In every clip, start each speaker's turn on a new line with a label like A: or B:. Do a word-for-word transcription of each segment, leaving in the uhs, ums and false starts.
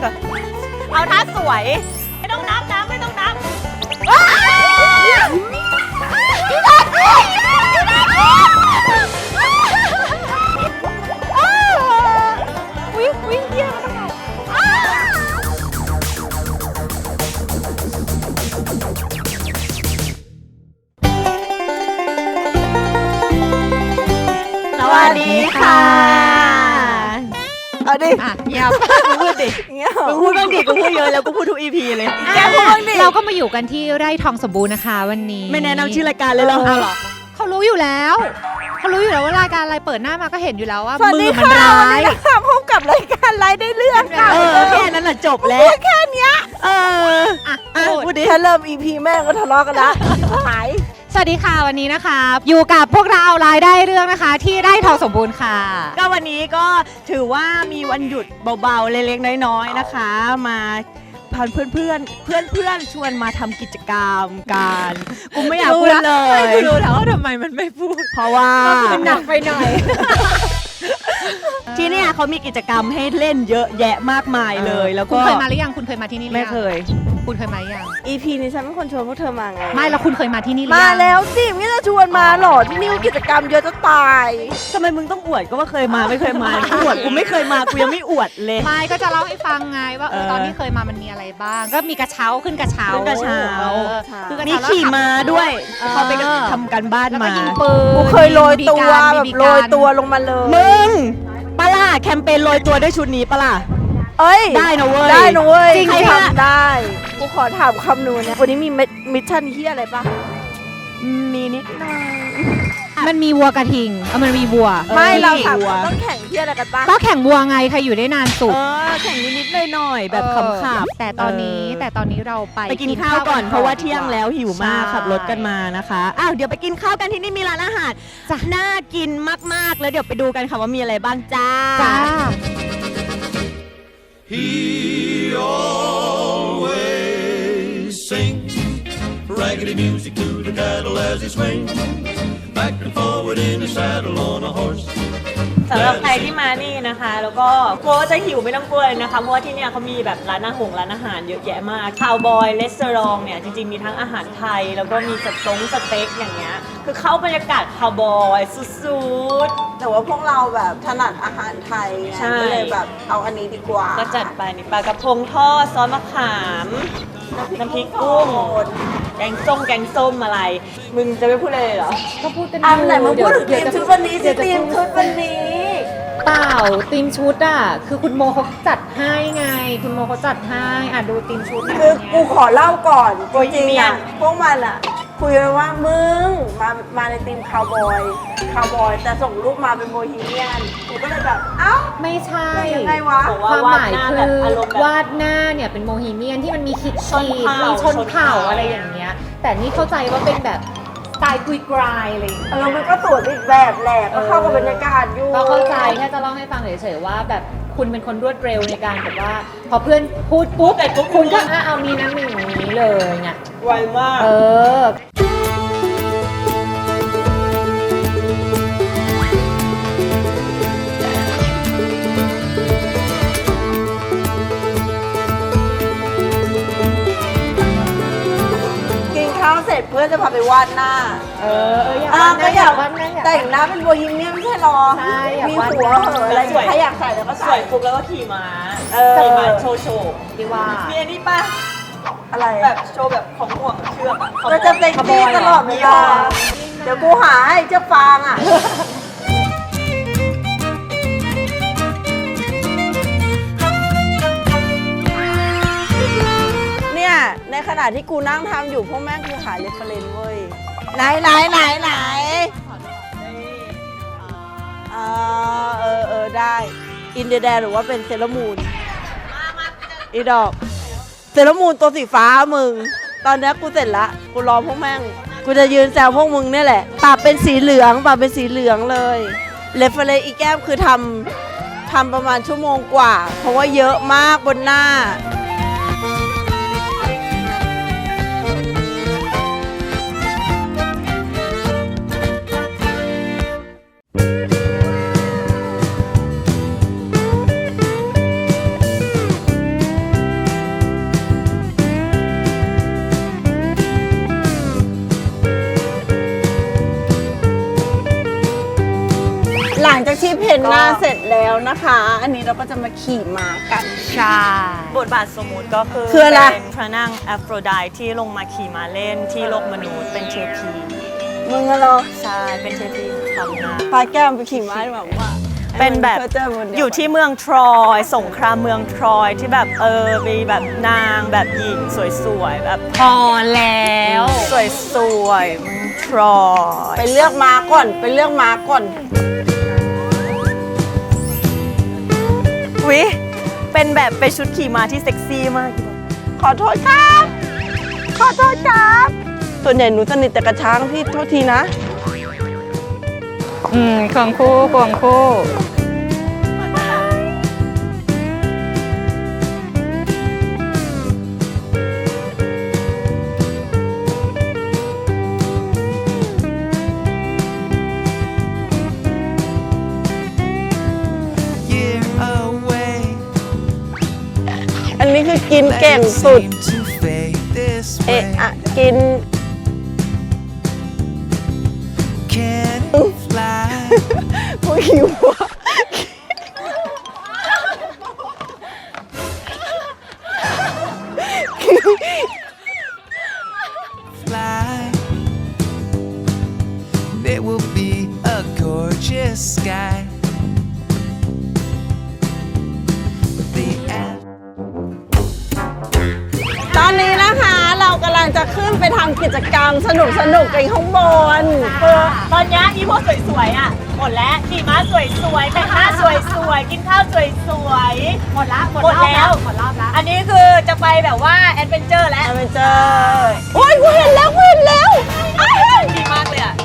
A: ก่อนเอาท่าสวยไม่ต้องนับนะไม่ต้องนับพี่ดักพี่ดักวิ่งวิ่งเยี่ยมสวัสดีค่ะเอาดิอ่ะเงียบพูดดิเงียบมึงพูดบ้างดิกูพูดเยอะแล้วกูพูดทุก อี พี เลยแกพูดบ้างดิ
B: เราก็มาอยู่กันที่ไร่ทองสมบูรณ์นะคะวันนี้
A: ไม่แนะนำชื่อรายการเลยเหรอเอาหรอ
B: เขารู้อยู่แล้วเขารู้อยู่แล้วว่ารายการอะไรเปิดหน้ามาก็เห็นอยู่แล้วว่ามือมันร้าย
A: ค่ะพบกับรายการไร้ได้เรื่องค่ะแค่นั้นแหละจบแล้วแค่เนี้ยเอออ่ะพูดดิถ้าเริ่ม อี พี แม่ก็ทะเลาะกันละหาย
B: สวัสดีค่ะวันนี้นะคะอยู่กับพวกเรารายได้เรื่องนะคะที่ไร่ทองสมบูรณ์ค่ะ
A: ก็วันนี้ก็ถือว่ามีวันหยุดเบาๆเล็กๆน้อยๆนะคะมาพาเพื่อนเพื่อนเพื่อนเพื่อนชวนมาทำกิจกรรมกันกูไม่อยากพูดเลย
B: กูรู้แล้วว่าทำไมมันไม่พูด
A: เพราะว่า
B: มันหนักไปหน่อย
A: ที่นี่เขามีกิจกรรมให้เล่นเยอะแยะมากมายเลยแล้วก็
B: คุณเคยมาหรือยังคุณเคยมาที่นี่
A: ไม่เคย
B: คุณเคยมายัง
A: อี พี นี้ฉันเป็นคนชวนพวกเธอมาไง
B: ไม่แล้วคุณเคยมาที่นี่หรือ
A: ยังมาแล้วสิไม่จะชวนมาหรอที่นี่กิจกรรมเยอะจะตายทำไมมึงต้องอวดก็ว่าเคยมาไม่เคยมาอวดกูไม่เคยมากูยังไม่อวดเลย
B: ไม่ก็จะเล่าให้ฟังไงว่าเออตอนที่เคยมามันมีอะไรบ้างก็มีกระเช้าขึ้นกระเช้า
A: ขึ้นกระเช้ามีขี่ม้าด้วยเขาไปทำกันบ้านมากูเคยโรยตัวแบบโรยตัวลงมาเลยมึงปะล่ะแคมเปญโรยตัวด้วยชุดนี้ปะล่ะเอ้ยได้นะเว้ยได้นะเว้ยจริงทำได้กูขอถามคำนูนเนี่ยวันนี้มีมิชชั่นที่อะไรปะมีนิดหน่อย
B: มันมีวัวกระทิงเออมันมีวัว
A: ไม่เราถามต้องแข่งที่อะไรกันปะ
B: ก็แข่งวัวไงใครอยู่ได้นานสุด
A: เออแข่งนิดๆหน่อยๆแบบขำๆ
B: แต่ตอนนี้แต่ตอนนี้เราไป
A: ไปกินข้าวก่อนเพราะว่าเที่ยงแล้วหิวมากขับรถกันมานะคะอ้าวเดี๋ยวไปกินข้าวกันที่นี่มีร้านอาหารน่ากินมากๆแล้วเดี๋ยวไปดูกันค่ะว่ามีอะไรบ้างจ้า
B: จ้า
C: He always sings raggedy music to the cattle as he swings back and forward in his saddle on a horse
A: สำหรับใครที่มานี่นะคะแล้วก็กลัวจะหิวไม่ต้องกลัวเลยนะคะเพราะว่าที่นี่เขามีแบบร้านอาหารร้านอาหารเยอะแยะมากคาวบอยรีสอร์ทเนี่ยจริงๆมีทั้งอาหารไทยแล้วก็มีสต๊งสเต็กอย่างเงี้ยคือเข้าบรรยากาศคาวบอยสุดๆแต่ว่าพวกเราแบบถนัดอาหารไทยก็เลยแบบเอาอันนี้ดีกว่าก็จัดไปนี่ปลากระพงทอดซอสมะขามน้ำพริกกุ้งแกงส้มแกงส้มอะไรมึงจะไม่พูดอะไรเลยเหรอ
B: ก็พูดกัน
A: อ่ะไหนมึงพูดถึงทีมชุดวันนี้สิทีมชุดวันนี้
B: เปล่าทีมชุดอ่ะคือคุณโมเขาจัดให้ไงคุณโมเขาจัดให้อ่ะดูทีมชุด
A: คือกูขอเล่าก่อนจริงๆอ่ะพวกมันอ่ะคุยกันว่ามึงมามาในทีมคาวบอยคาวบอยแต่ส่งรูปมาเป็นโบฮีเมียนกูก็เลยแบบเอ้า
B: ไม่ใช่
A: ยังไงวะ
B: ความหมายคือวาดหน้าเนี่ยเป็นโมฮีเมียนที่มันมีขีดขีดมีชนเผ่าอะไรอย่างเงี้ยแต่นี่เข้าใจว่าเป็นแบบสไตล์กุยกรายอะไรอย่างเงี้ย
A: เออมันก็สวยอีกแบบแหละก็เข้ากับบรรยากาศอยู่
B: ก็เข้าใจแค่จะเล่าให้ฟังเฉยๆว่าแบบคุณเป็นคนรวดเร็วในการแบบว่าพอเพื่อนพูดปุ๊บแต่คุณก็เอามีน้ำหนึ่งอย่างนี้เลยไง
A: ไวมาก
B: เออ
A: เสร็จเพื่อนจะพาไปวาดหน้า
B: เออเอออยากวาดหน้าอยากวาดหน้า
A: แต่งหน้าเป็นโบฮีเมียนไม่ใช่หรอมีหัวเหอะอะไรใครอยากใส่แล้วก็ใส่ปุ๊บแล้วก็ขี่ม้าขี่ม้าโชว์โชว์
B: ดีว่า
A: มีอันนี้ป่ะอะไรแบบโชว์แบบของห่วงเชือกอ่ะก็จะเป็นที่ตลอดเวลาเดี๋ยวกูหาให้เจ้าฟางอ่ะในขณะที่กูนั่งทำอยู่พวกแม่งคือหาเรฟเฟรนซ์เว้ยไหนไหนไหนไหนเออเออเออได้อินเดียแดนหรือว่าเป็นเซเลมูนอีดอกเซเลมูนตัวสีฟ้ามึงตอนนี้กูเสร็จละกูรอพวกแม่งกูจะยืนแซวพวกมึงนี่แหละปากเป็นสีเหลืองปากเป็นสีเหลืองเลยเรฟเฟรนซ์อีแก้มคือทำทำประมาณชั่วโมงกว่าเพราะว่าเยอะมากบนหน้า
D: เพ้นหน้าเสร็จแล้วนะคะ อันนี้เราก็จะมาขี่ม้ากัน
B: ใช่
A: บทบาทสมมุติก็คือ
D: คืออะไร
A: เป็นพระนางแอฟโรไดต์ที่ลงมาขี่ม้าเล่นที่โลกมนุษย์เป็นเทพี
D: มึงอะเหรอ
A: ใช่เป็นเทพีความงาม
D: พาแก้มไปขี่ม้าแบบว่า
A: เป็นแบบ
D: ให้มัเพอเจบนเดีว
A: อยู่ที่เมืองทรอยสงครามเมืองทรอยที่แบบเออมีแบบนางแบบหญิงสวยๆแบบ
B: พอแล้ว
A: สวยๆเมืองทรอย
D: ไปเลือกม้าก่อนไปเลือกม้าก่อน
A: วิเป็นแบบเป็นชุดขี่ม้าที่เซ็กซี่มาก
D: ขอโทษครับ ขอโทษครับ ส่วนใหญ่หนูสนิทแต่กระช้างพี่โทษทีนะ
B: อืมควงคู่ควงคู่
C: year away.
D: อันนี้คือกินเก่งสุด
C: Seem to fade this
D: เอะ
C: way.
D: อะกิน
C: Can fly.
D: กูหิวอะ
C: Fly. There will be a gorgeous sky. The air.
D: ตอนนี้นะคะเรากำลังจะขึ้นไปทำกิจกรรมสนุกสนุกๆกันข้างบน
A: คือตอนนี้อีพวกสวยๆอ่ะหมดแล้วขี่ม้าสวยๆแต่งหน้าสวยๆกินข้าวสวยๆหมดละหมดแล้วหมดรอบแล้วอันนี้คือจะไปแบบว่าแอดเวนเจอร์แล้ว
D: ไปเจอโอ้ยกูเห็นแล้วกูเห็นแล้วอ้าว
A: ดีมากเลยอ่ะ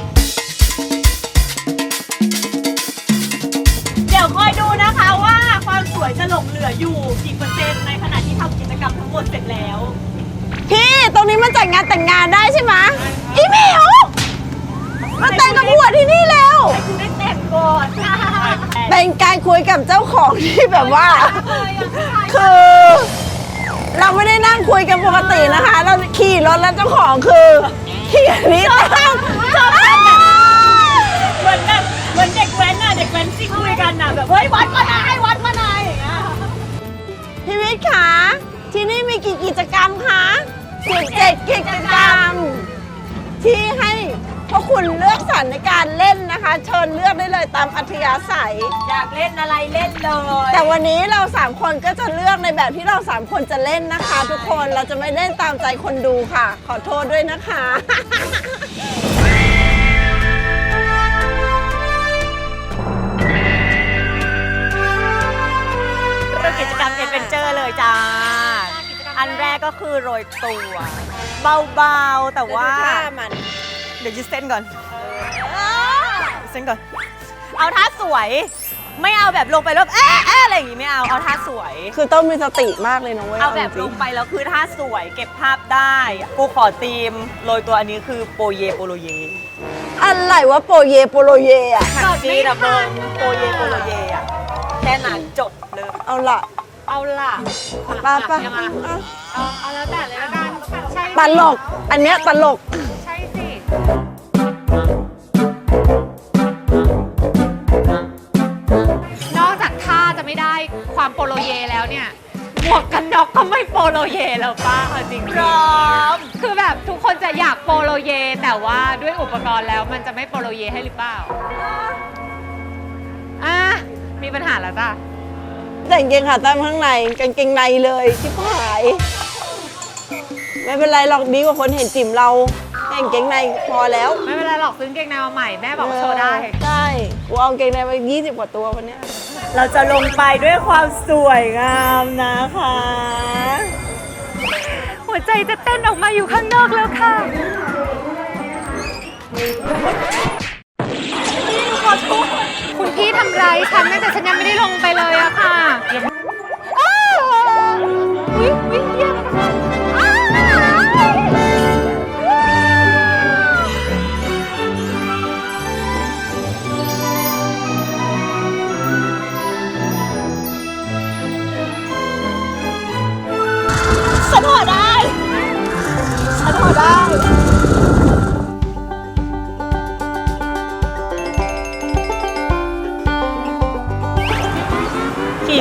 A: เดี๋ยวคอยดูนะคะว่าความสวยจะหลงเหลืออยู่กี่เปอร์เซ็นต์ในขณะที่ทำกิจกรรมทั้งหมดเสร็จแล้ว
D: พี่ตรงนี้มันจัดงานแต่งงานได้ใช่ไหมอีหมิวมาแต่งกับผัวที่นี่แล้ว
A: ให้คุณได้แต่งก่อน
D: เป็นการคุยกับเจ้าของที่แบบว่า คือ เราไม่ได้นั่งคุยกันปกตินะคะ เราขี่รถแล้วเจ้าของคือขี่อันนี้ตั้ง
A: ชอบกันอะเหมือนแบบเหมือนเด็กแว้นน่ะเด็กแว้นที่คุยกันน่ะแบบเฮ้ยวัดมาไหนวัดมาไหนอย่างเงี้ย
D: พี่วิทย์คะที่นี่มีกี่กิจกรรมคะสิบเจ็ดกิจกรรม ที่ให้พวกคุณเลือกสรรในการเล่นนะคะ เชิญเลือกได้เลยตามอัธยาศัย
A: อยากเล่นอะไรเล่นเลย
D: แต่วันนี้เราสามคนก็จะเลือกในแบบที่เราสามคนจะเล่นนะคะ ทุกคนเราจะไม่เล่นตามใจคนดูค่ะ ขอโทษด้วยนะคะ
A: เริ่มกิจกรรมเอดเวนเจอร์เลยจ้า อันแรกก็คือโรยตัว เบาๆ แต่ว่า
D: มัน
A: เดี๋ยวยืดเส้นก่อนเส้นก่อน เอาท่าสวย ไม่เอาแบบลงไปแล้วเอ๊ะเอ๊ะอะไรอย่างงี้ไม่เอา เอาท่าสวย
D: คือต้องมีสติมากเลยนะเว้ย
A: เอาแบบ
D: จริ
A: ล
D: ง
A: งไปแล้วคือท่าสวยเก็บภาพได้ กูขอธีมโรยตัวอันนี้คือโปเยโปโลเย
D: ๆอะไรวะโปเยโปโลเยอะ
A: จดจีดับเบิลโปเยโปโลเยอะแค่นั้นจดเลย
D: เอาละ
B: เอาล่ะ
D: ไป้าป้า
B: เอาเอาแล้วแต่เลยละกันใช่
D: ตลก อันเนี้ยตลก
B: ใช่สิ นอกจากท่าจะไม่ได้ความโปโลเยแล้วเนี่ย หมวกกันน็อกก็ไม่โปโลเยแล้วป้าเอาจริง
A: พร้อม
B: ๆคือแบบทุกคนจะอยากโปโลเย แต่ว่าด้วยอุปกรณ์แล้วมันจะไม่โปโลเยให้หรือเปล่า อ่ะ มีปัญหาแล้วจ้ะ
D: แต่งเกงขาตั้งข้างในกางเกงในเลยชิบหาย ไม่เป็นไรหรอกดีกว่าคนเห็นจิ๋มเราแต่งเกงในพอแล้ว
B: ไม่เป็นไรหรอกซื้อกางเกงในมาใหม่แม่บอกว่าโชว์ได้
D: ใช่กูเอากางเกงในมายี่สิบกว่าตัววันเนี้ย
A: เราจะลงไปด้วยความสวยงามนะคะ
B: หัวใจจะเต้นออกมาอยู่ข้างนอกแล้วค่ะ คุณพี่ทำร้ายฉันนะแต่ฉันยังไม่ได้ลงไปเลยอะค่ะอ้าวอุ๊ยอุ๊ยเยี่ยมนะคะอ้าว
A: ฉันพอได้ ฉันพอได้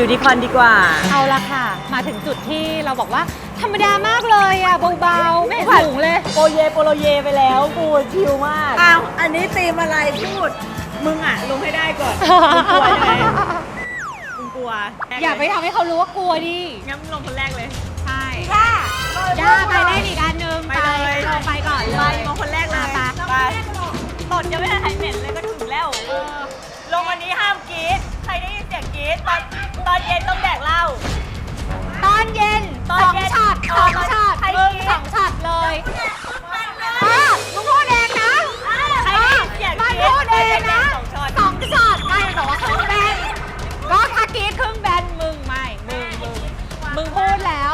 A: ดีคอนดีกว่า
B: เอาละค่ะ มาถึงจุดที่เราบอกว่าธรรมดามากเลยอ่ะเบาๆไม่สูงเลย
A: โปเยโปโลเยไปแล้วกูชิลมาก
D: อ้าว อันนี้ตีมอะไรพูด
A: มึงอ่ะลงให้ได้ก่อนมึงกลัวใช่ไหมมึงกลัว
B: อย่าไปทำให้เขารู้ว่ากลัวดิ
A: งั้นมึงลงคนแรกเลย
B: ใช่
D: ย่า
B: ย่าไปเล่นอีกอันนึง
A: ไปเลย
B: ลงไปก่อนเล
A: ไป
B: ย
A: ลงคนแรกเลย
B: ไป
A: ไปตดยังไม่ได้หายเหม็นเลยก็ถึงแล้ว ลงวันนี้ห้ามกรี๊ดใครได้ยินเสียงกรี๊ดตอนตอนเย็นต้องแดกเหล้า
B: ตอนเย็น
A: ตอน
B: สอง
A: เย็น
B: ช็อต
A: เอ
B: ส
A: อ
B: อง
A: ตอน
B: ช็อต
A: ใคร
B: มึง
A: กิน
B: สองช็อตเลยอ่ะมึงพูดเองนะ
A: ใครได้ยินเสียงก
B: มัน
A: รี๊ด
B: พูดเองนะ
A: สองช็อต
B: สองช็อตไม่แต่ว่าครึ่งแบนก็ถ้ากรีดครึ่งแบนมึงไม่มึงมึงมึงพูดแล้ว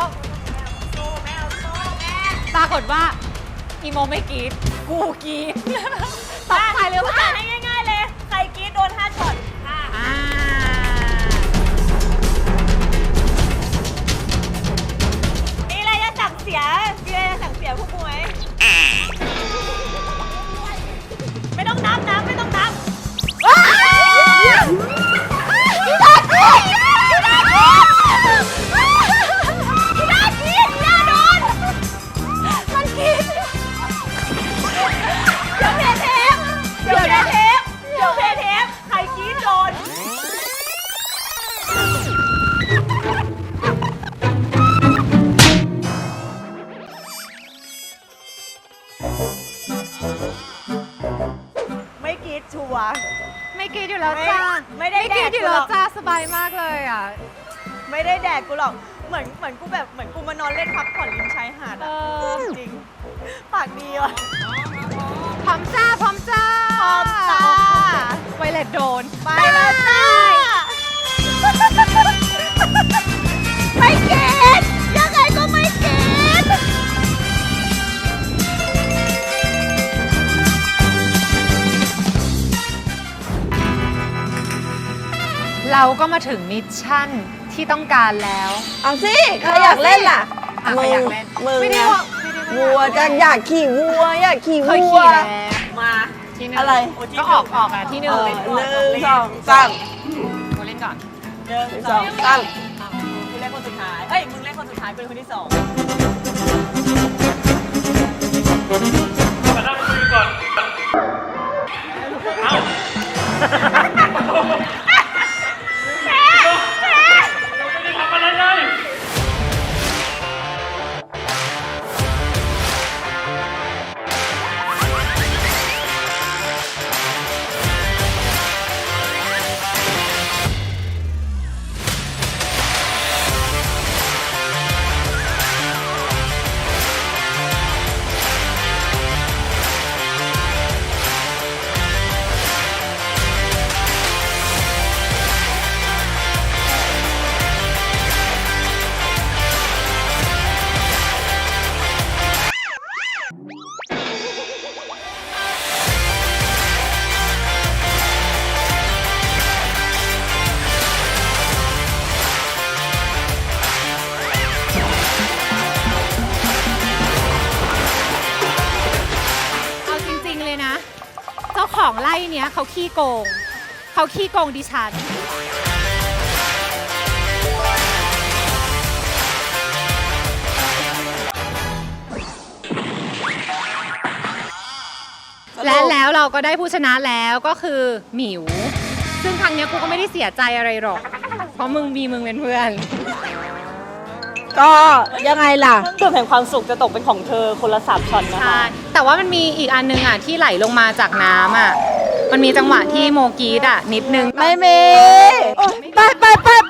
B: ปรากฏว่าอีโมไม่กรีดกูกรีดตกใจเลยว่า
A: อ่ะให้ง่ายๆเลย ใครกรี๊ดโดนห้าช็อตค่ะ
B: อ่า
A: มีอะไรจะสั่งเสียมีอะไรจะสั่งเสียพวกกูไหมไม่ต้องนับนะไม่ต้องนับ เดี๋ยวเพเทปเดี๋ยวเพเทปใครกรี๊ดโดน ไม่กรี๊ดชัวร์
B: ไม่กรีดอยู่แล้วจ้า
A: ไม่ได้
B: ไม่กรีด
A: แดก
B: อยู่แล้ว
A: กูหรอก
B: จ้าสบายมากเลยอ่ะ
A: ไม่ได้แดกกูหรอก เหมือนเหมือนกูแบบเหมือนกูมานอนเล่นพักผ่อนริมชายหาด
B: เอ
A: อะ
B: อ
A: จริง ปากดีว่ะ
B: พร้อมจ้าพร้อมจ้า
A: พร้อมจ้า
B: ไวเลตโดน
A: ไปแล้วจ้า
D: ไม่เก็ตยังไงก็ไม่เก็ต
B: เราก็มาถึงมิชชั่นที่ต้องการแล้ว
D: เอาสิ ใครอยากเล่นล่ะ
B: อ่ะใครอยากเล่น
D: มึง
B: ไม่ได้
D: นะ
B: ว่าไม่ได้
D: วัวจะอยากขี่วัว อยากขี่
B: เค
D: วั
B: ยว ขี่แล้ว
A: มา
B: ที่หนึ่ง
D: อะไร
B: ก็ออกออกอ่ะที่หนึ่ง
D: เออ
B: เล่น
D: ห
B: ก่อน
D: นึ่งสองสาม
B: กูเล่นก่อน
A: หนึ่ง
D: หนึ่ง
A: ส
D: ส
A: อ
D: อง งสาม
A: กูเล่นคนสุดท้าย เอ้ย มึงเล่นคนสุดท้ายเป็นคนที่สอง
E: มานั่งคุยก่อน เอ้าเราไม่ได้ทำอะไรเลย
B: เอาจริง ๆ เลยนะ เจ้าของไล่เนี้ยเขาขี้โกง เขาขี้โกงดิฉัน และแล้วเราก็ได้ผู้ชนะแล้วก็คือหมิว ซึ่งครั้งเนี้ยกูก็ไม่ได้เสียใจอะไรหรอก เพราะมึงมีมึงเป็นเพื่อน
D: ก็ยังไงล่ะ
A: ส่วนแห่งความสุขจะตกเป็นของเธอคนละสามช็อตนะคะ
B: ใช่ แต่ว่ามันมีอีกอันนึงอ่ะที่ไหลลงมาจากน้ำอ่ะ มันมีจังหวะที่โมกรีดอ่ะนิดนึง
D: ไม่มีไปไปไปไป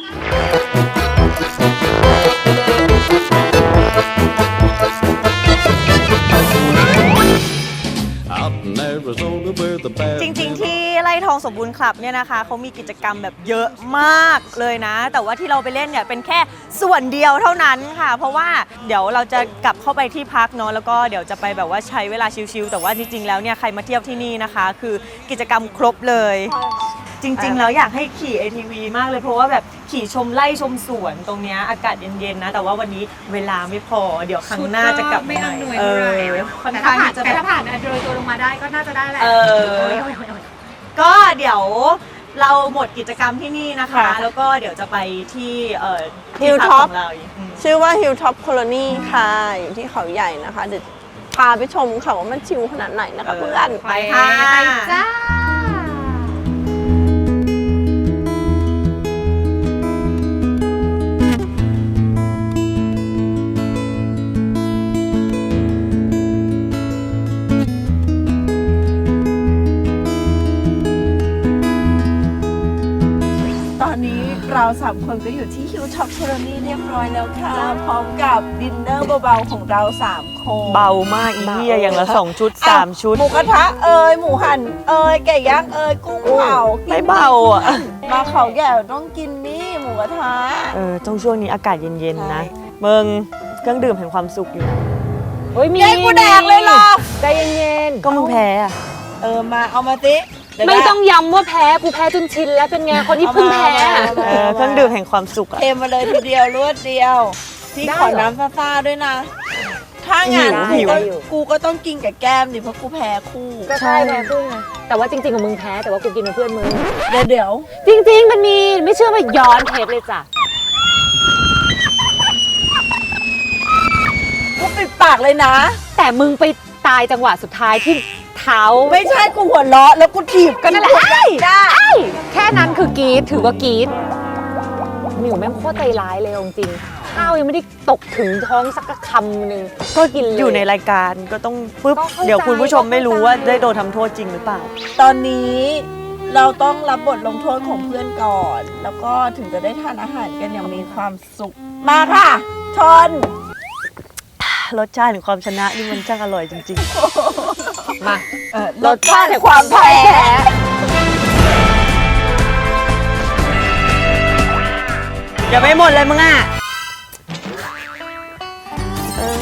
C: Out in Arizona where the bad
A: จริง ๆ ที่ไร่ทองสมบูรณ์คลับเนี่ยนะคะเขามีกิจกรรมแบบเยอะมากเลยนะ แต่ว่าที่เราไปเล่นเนี่ยเป็นแค่ส่วนเดียวเท่านั้นค่ะ เพราะว่าเดี๋ยวเราจะกลับเข้าไปที่พักเนาะแล้วก็เดี๋ยวจะไปแบบว่าใช้เวลาชิลๆแต่ว่าจริง ๆ แล้วเนี่ยใครมาเที่ยวที่นี่นะคะ คือกิจกรรมครบเลย จริง ๆ แล้วอยากให้ขี่ เอ ที วี มากเลยเพราะว่าแบบขี่ชมไร่ชมสวนตรงเนี้ยอากาศเย็นๆนะ แต่ว่าวันนี้เวลาไม่พอเดี๋ยวครั้งหน้าจะกลับ
B: ไม่
A: มา
B: อำนวย
A: เอ
B: เท่าไหร่
A: อค่อน
B: แต่
A: ข้า
B: ถ้าง ผ่าน
A: ที่จะ
B: แต่
A: แบบ
B: ถ้าผ่านโดยตัวลงมาได้ก็น่าจะได้แหละ
A: เออ
B: โอ้ยโอ้ยโอ้ย
A: ก็เดี๋ยวเราหมดกิจกรรมที่นี่นะคะ
D: ค่ะ
A: แล้วก็เดี๋ยวจะไปที่เอ่อ
D: Hilltop
A: ที่พักของเราอีก
D: ชื่อว่า Hilltop Colony ค่ะอยู่ที่เขาใหญ่นะคะเดี๋ยวพาไปชมค่ะว่ามันชิลขนาดไหนนะคะเพื่อน
A: ไปค่ะ
B: ไปจ้า
D: ตอนนี้เราสามคนก็อยู่ที่ Hilltop Colony เรียบร้อยแล้วค่ะ พร้อมกับดินเนอร์เบาๆของเราสามคน
A: เบามากอีเหี้ยอย่างละสองชุดสามชุด
D: หมูกระทะเอ่ยหมูหั่นเอ่ยไก่ย่างเอ่ยกุ้งเผา
A: ไม่เบาอ่ะ
D: มาเขาใหญ่ต้องกินนี่หมูกระทะ
A: เออต้องช่วงนี้อากาศเย็นๆนะ
D: ใช่
A: มึงเครื่องดื่มแห่งความสุขอยู่นะ
B: เฮ้ยมี
D: เย้กูแดกเลยเหรอ
B: ใจเย็น
A: ก็มึงแพ้อะ
D: เออมาเอามาสิเดี๋ยว
B: ๆไม่
D: นะ
B: ต้องย้ำว่าแพ้กูแพ้จนชินแล้วเป็นไงคนที่เพิ่งแพ้
D: เอามา
A: เออเครื่องดื่มแห่งความสุขอะ
D: เทมาเลยทีเดียวรวดเดียวพี่
B: ได้
D: ขอ
B: เหรอ
D: น้ำซ่าๆด้วยนะ ถ้างั้น
B: หิว
D: กูก็
B: หิว
D: กูก็ต้องกินกับแก้มดิเพราะกูแพ้คู่
B: ก็ใช่แพ้เพื่อนไงแต่ว่าจริงๆกับมึงแพ้แต่ว่ากูกินเป็นเพื่อนมึง
D: เดี๋ยวเดี๋ยว
B: จริงๆมันมีไม่เชื่อว่าย้อนเทปเลยจ้ะ
D: กูปิดปากเลยนะ
B: แต่มึงไปตายจังหวะสุดท้ายที่เท้า
D: ไม่ใช่กูหัวเราะแล้วกูถีบ
B: ก็นั่นแหละ
D: กูได้ได้
B: แค่นั้นคือกรีดถือว่ากรีดหมิวแม่งโคตรใจร้ายเลยเอาจริงๆข้าวยังไม่ได้ตกถึงท้องสักคำหนึ่งก็กินเลย
A: อยู่ในรายการก็ต้องปุ๊บ
B: ก็เข้าใจ
A: เดี๋ยวคุณผู้ชมไม่รู้ว่า
B: ก็เข้าใจ
A: ได้โดนทำโทษจริงหรือเปล่า
D: ตอนนี้เราต้องรับบทลงโทษของเพื่อนก่อน แล้วก็ถึงจะได้ทานอาหารกันอย่างมีความสุข มาค่ะชน
A: รสชาติแห่งความชนะนี่มันช่างอร่อยจริง
B: มา
D: เออรสชาติแห่งความแพ้
A: ๆ อย่าไม่หมดเลยมึงอ่ะเออ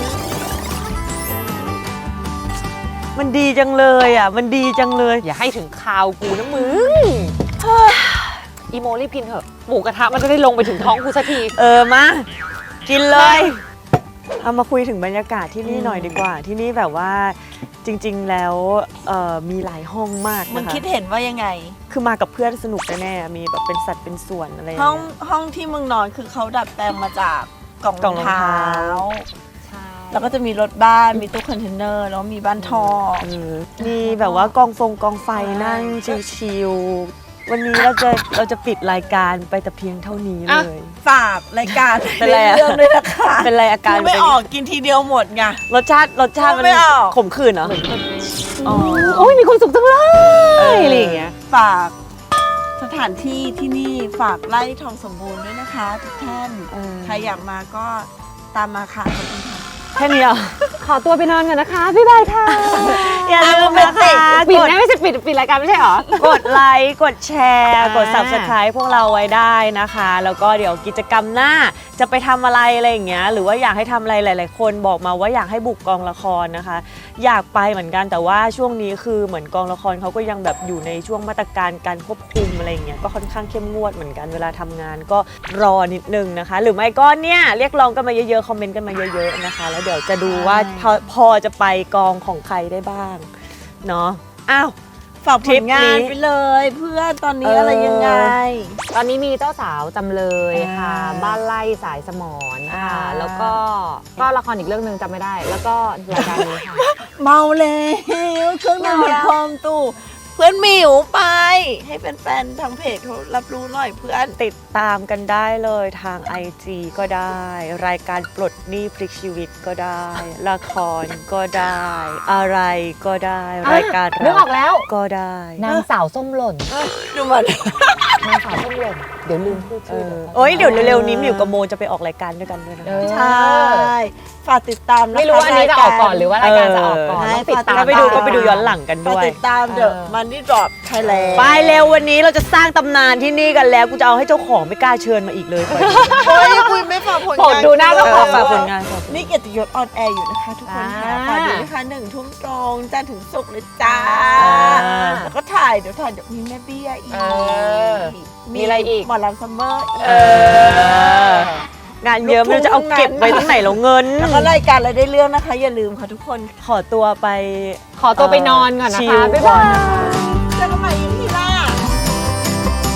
A: มันดีจังเลยอ่ะ มันดีจังเลย
B: อย่าให้ถึงคาวกูนะมึงอีโมรีบกินเถอะหมูกระทะมันจะได้ลงไปถึงท้องกูสักที
A: เออมา กินเลย เอามาคุยถึงบรรยากาศที่นี่หน่อยดีกว่า ที่นี่แบบว่าจริงๆแล้วเอ่อมีหลายห้องมาก
D: มึง
A: นะคะ
D: คิดเห็นว่ายังไง
A: คือมากับเพื่อนสนุกแน่ๆมีแบบเป็นสัตว์เป็นส่วนอะไรอย่าง
D: ห้อง
A: เงี้ย
D: ห้องที่มึงนอนคือเขาดัดแปลงมาจากกล่อง
A: กล่
D: ร
A: อ
D: อง ง
A: รองเท้า
D: เท้า
B: ใช่
D: แล้วก็จะมีรถบ้าน มีตู้คอนเทนเนอร์ แล้วมีบ้านทอ
A: เออมีแบบว่ากองฟงกองไฟนั่งชิลๆวันนี้เราจะเราจะปิดรายการไปแต่เพียงเท่านี้เลย
D: ฝากรายการ
A: เป็นไรอะ
D: เรื่องด้วยนะคะ
A: เป็นไรอาการ
D: พูดไม่
A: เป็น
D: ออกกินทีเดียวหมดไง
A: รสชาติรสชาติมัน
D: ไม่ออก
A: ขมขื่นเหรออ๋อ
B: โอ้ยมีความสุขจังเล
A: เอออ
B: ยอะไรอย่างเงี้ย
D: ฝากสถานที่ที่นี่ฝากไร่ทองสมบูรณ์ด้วยนะคะ ทุกท่าน
A: เออ
D: ใครอยากมาก็ตามมาค่ะขอบคุณค่ะ
A: แค่นี้เหรอ
B: ขอตัวไปนอนก่อนนะคะ บ๊ายบายค่ะ
A: อย่าลืมนะคะ
B: ปิด
A: กด
B: นะไม่ใช่ปิดปิดรายการไม่ใช่เหรอ
A: กดไลค์กดแชร์
B: อ่าก
A: ด Subscribe พวกเราไว้ได้นะคะ แล้วก็เดี๋ยวกิจกรรมหน้าจะไปทำอะไรอะไรอย่างเงี้ยหรือว่าอยากให้ทำอะไรหลาย ๆ คนบอกมาว่าอยากให้บุกกองละครนะคะ อยากไปเหมือนกันแต่ว่าช่วงนี้คือเหมือนกองละครเขาก็ยังแบบอยู่ในช่วงมาตรการการควบคุมอะไรอย่างเงี้ยก็ค่อนข้างเข้มงวดเหมือนกันเวลาทำงานก็รอนิดนึงนะคะ หรือไม่ก็เนี่ยเรียกร้องกันมาเยอะ ๆ คอมเมนต์กันมาเยอะ ๆ นะคะ แล้วเดี๋ยวจะดูว่าพอพอจะไปกองของใครได้บ้างเนาะอ้าว
D: ฝากผ
A: ทริ
D: ล
A: ป
D: งาน
A: นี้
D: ไปเลย เพื่อนตอนนี้
A: เอออ
D: อะไรยังไง
B: ตอนนี้มีเจ้าสาวจำเลยค่ะ
D: อ่า
B: บ้านไล่สายสมอนค่ะ
D: อ่า
B: แล้วก็ก็ละครอีกเรื่องหนึ่งจำไม่ได้ แล้วก็รายการนี้ค่ะ
D: เมาแล้วเครื่องดื่ม
B: เมาแล้ว
D: พร้อมตู้เพื่อนหมิวไป ให้แฟนๆทางเพจเขารับรู้หน่อยเพื่อน
A: ติดตามกันได้เลยทาง ไอ จี ก็ได้ รายการปลดหนี้พลิกชีวิตก็ได้ ละครก็ได้ อะไรก็ได้ รายการ
B: นึก
A: เรา
B: ออกแล้ว
A: ก็ได้
B: นางสาวส้มหล่น
D: ดูมัน
B: นางสาวส้มหล่นเดี๋ยวลืมพูด
A: เอ
B: ชื่อ
A: อ
B: เดี๋ยว
A: โอ้ยเดี๋ยวเร็วๆนี้หมิวกับโมจะไปออกรายการด้วยกันด้วยนะ
B: เอ
A: คะ
B: อ
D: ใช่ ฝากติดตามนะคะ
B: ไม่รู้ว่าอันนี้จะออกก่อนหรือว่ารายการจะออกก่อน
D: เออ
B: ต้องติดตาม
A: ถ้าไปดูก็ไปดูย้อนหลังกัน
D: ฝาก
A: ด้วย
D: ติดตามเดอะมันนี่ดรอปไทยแลนด์
A: ไปเร็ววันนี้เราจะสร้างตำนานที่นี่กันแล้วกูจะเอาให้เจ้าของไม่กล้าเชิญมาอีกเลย
D: โอ้ยคุยไม่ฝากผล
B: โปรด
D: งาน
B: ดูหน้าเจ้าของ
A: ฝากผลงานฝากผลงาน
D: นี่เกียรติยศออนแอร์อยู่นะคะ ทุกคนค่ะ
B: อ่า
D: ฝากดูนะคะหนึ่งทุ่มตรงจันทร์ถึงศุกร์เลยจ้า
A: อ่า
D: แล้วก็ถ่ายเดี๋ยวถ่ายเดี๋ยวมีแม่เบี้ยอีก
B: เออมีอะไรอีก
D: หมอลำซัมเมอร์อีก
A: เออ งานเยอะไม่รู้จะเอาเก็บไว้ตรงไหนแล้วเงิน
D: แล้วก็รายการอะไรได้เรื่องนะคะ อย่าลืมค่ะทุกคน
A: ขอตัวไป
B: ขอตัวไปนอนก่อนนะ
A: ชิ
B: คะ
A: ล
B: บ๊าย
A: ก่
B: บา
A: อน
B: ย
A: นะคะ
D: เจอกันใหม่อีพีหน้า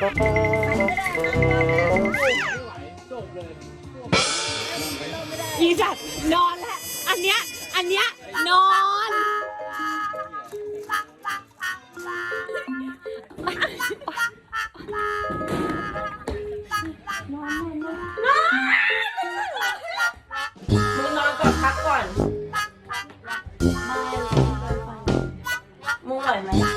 A: ยีจัดนอนแล้วอันเนี้ยอันเนี้ยนอนมึงนอนก่อนพักก่อนมึงไหวไหม